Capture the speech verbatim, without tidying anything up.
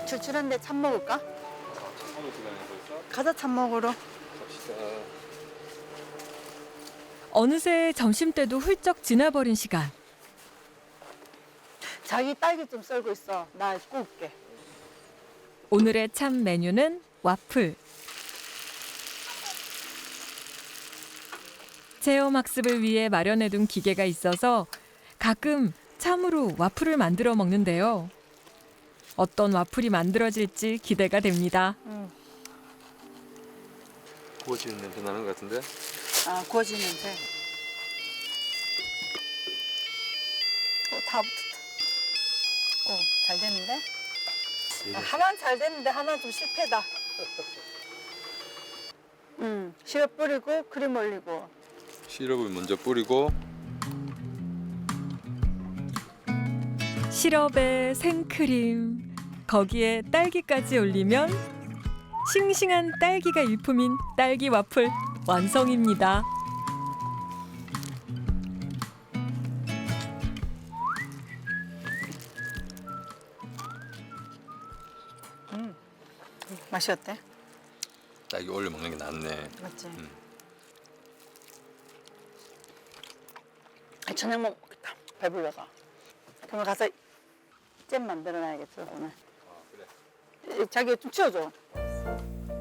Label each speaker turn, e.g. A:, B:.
A: 출출한데 참 먹을까?
B: 참먹을 시간이 벌써?
A: 가자 참 먹으러.
B: 갑시다.
C: 어느새 점심때도 훌쩍 지나버린 시간.
A: 자기 딸기 좀 썰고 있어. 나 구울게.
C: 오늘의 참 메뉴는 와플. 체험 학습을 위해 마련해둔 기계가 있어서 가끔 참으로 와플을 만들어 먹는데요. 어떤 와플이 만들어질지 기대가 됩니다.
A: 응.
B: 구워지는 냄새 나는 것 같은데?
A: 아 구워지는 냄새. 어, 다 붙었다. 어, 잘 됐는데? 아, 하나는 잘 됐는데 하나는 좀 실패다. 음, 시럽 뿌리고 크림 올리고.
B: 시럽을 먼저 뿌리고
C: 시럽에 생크림, 거기에 딸기까지 올리면 싱싱한 딸기가 일품인 딸기 와플 완성입니다.
A: 음, 맛이 어때?
B: 딸기 올려 먹는 게 낫네.
A: 맞지?
B: 음.
A: 저녁 먹겠다. 배불러서. 그러면 가서 잼 만들어놔야겠어 오늘.
B: 아 그래.
A: 자기 좀 치워줘.